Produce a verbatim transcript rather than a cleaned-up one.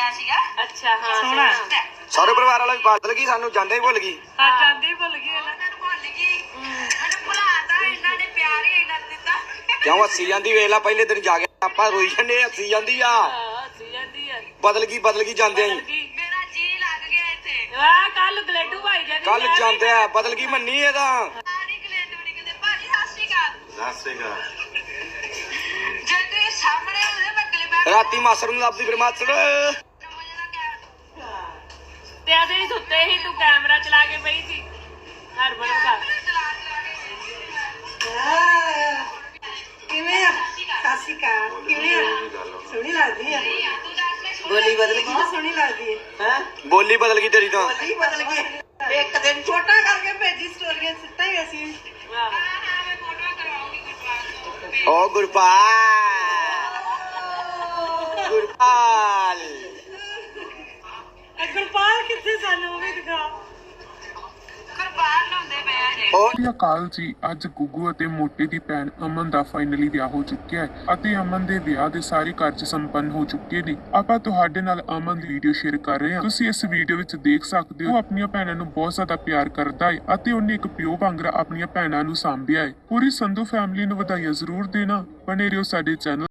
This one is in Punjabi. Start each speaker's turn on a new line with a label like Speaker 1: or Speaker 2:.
Speaker 1: ਅੱਛਾ ਹਾਂ
Speaker 2: ਸੋਹਣਾ
Speaker 3: ਸਾਰੇ ਪਰਿਵਾਰ ਵਾਲਾ ਵੀ ਬਦਲ ਗਈ ਸਾਨੂੰ ਜਾਂਦੇ ਹੀ ਭੁੱਲ ਗਈ
Speaker 2: ਆ ਜਾਂਦੇ ਹੀ ਭੁੱਲ ਗਏ ਨਾ
Speaker 3: ਕਿਉਂ ਹੱਸੀ ਜਾਂਦੀ ਵੇਖ ਲਾ ਪਹਿਲੇ ਦਿਨ ਜਾ ਕੇ ਆਪਾਂ ਰੋਈ ਜਾਂਦੇ ਹੱਸੀ ਜਾਂਦੀ ਆ
Speaker 2: ਹੱਸੀ ਜਾਂਦੀ ਆ
Speaker 3: ਬਦਲ ਗਈ ਬਦਲ ਗਈ ਜਾਂਦੇ ਆਂ
Speaker 2: ਮੇਰਾ ਜੀ ਲੱਗ ਗਿਆ ਇੱਥੇ ਵਾਹ ਕੱਲ ਗਲੇਡੂ ਭਾਈ ਜਾਂਦੀ
Speaker 3: ਕੱਲ ਜਾਂਦੇ ਆ ਬਦਲ ਗਈ ਮੰਨੀ ਇਹਦਾ
Speaker 2: ਸਾਰੀ ਗਲੇਡੂ ਨਿਕਲਦੇ ਭਾਜੀ ਸਤਿ ਸ਼੍ਰੀ ਅਕਾਲ
Speaker 3: ਸਤਿ ਸ੍ਰੀ ਅਕਾਲ
Speaker 2: ਜੇ ਤੁਸੀਂ ਸਾਹਮਣੇ ਉਹਦੇ ਬੱਗਲੇ ਬੈਠ
Speaker 3: ਰਾਤੀ ਮਾਸਰ ਨੂੰ ਲੱਭਦੀ ਫਿਰ ਮਾਸਰ
Speaker 2: ਤੇ ਅਸੀਂ ਸੁੱਤੇ ਸੀ ਤੂੰ ਕੈਮਰਾ ਚਲਾ ਕੇ ਪਈ ਸੀ ਹਰਮਨ ਦਾ
Speaker 1: ਕਿਵੇਂ ਆ ਸਤਿ ਸ਼੍ਰੀ ਅਕਾਲ ਕਿਵੇਂ ਆ ਸੋਹਣੀ ਲੱਗਦੀ ਆ
Speaker 3: ਬੋਲੀ ਬਦਲ ਗਈ
Speaker 1: ਬਹੁਤ ਸੋਹਣੀ ਲੱਗਦੀ ਹੈ
Speaker 3: ਹੈ ਬੋਲੀ ਬਦਲ ਗਈ ਤੇਰੀ ਤਾਂ
Speaker 1: ਬੋਲੀ ਬਦਲ ਗਈ ਇੱਕ ਦਿਨ ਛੋਟਾ ਕਰਕੇ ਭੇਜੀ ਸਟੋਰੀਆਂ ਸਿੱਟਾ ਹੀ ਅਸੀਂ
Speaker 2: ਵਾਹ
Speaker 3: ਓ ਗੁਰਪਾਲ ਗੁਰਪਾਲ
Speaker 2: ਗੁਰਪਾਲ ਕਿੱਥੇ ਸਾਨੂੰ ਉਹ ਵੀ ਦਿਖਾ ਗੁਰਪਾਲ ਲਾਉਂਦੇ ਪਏ ਜੇ
Speaker 3: ਓ
Speaker 4: ਸਤਿ ਅਕਾਲ ਜੀ। ਅੱਜ ਗੁੱਗੂ ਅਤੇ ਮੋਟੇ ਦੀ ਭੈਣ ਅਮਨ ਦਾ ਫਾਈਨਲੀ ਵਿਆਹ ਹੋ ਚੁੱਕਿਆ ਹੈ ਅਤੇ ਅਮਨ ਦੇ ਵਿਆਹ ਦੇ ਸਾਰੇ ਕਾਰਜ ਸੰਪੰਨ ਹੋ ਚੁੱਕੇ ਨੇ। ਆਪਾਂ ਤੁਹਾਡੇ ਨਾਲ ਅਮਨ ਦੀ ਵੀਡੀਓ ਸ਼ੇਅਰ ਕਰ ਰਹੇ ਹਾਂ। ਤੁਸੀਂ ਇਸ ਵੀਡੀਓ ਵਿੱਚ ਦੇਖ ਸਕਦੇ ਹੋ ਉਹ ਆਪਣੀਆਂ ਭੈਣਾਂ ਨੂੰ ਬਹੁਤ ਜ਼ਿਆਦਾ ਪਿਆਰ ਕਰਦਾ ਹੈ ਅਤੇ ਉਹਨੇ ਇੱਕ ਪਿਓ ਵਾਂਗਰਾ ਆਪਣੀਆਂ ਭੈਣਾਂ ਨੂੰ ਸਾਂਭਿਆ ਹੈ। ਪੂਰੀ ਸੰਧੂ ਫੈਮਿਲੀ ਨੂੰ ਵਧਾਈਆਂ ਜ਼ਰੂਰ ਦੇਣਾ। ਬਣੇ ਰਹੋ ਸਾਡੇ ਚੈਨਲ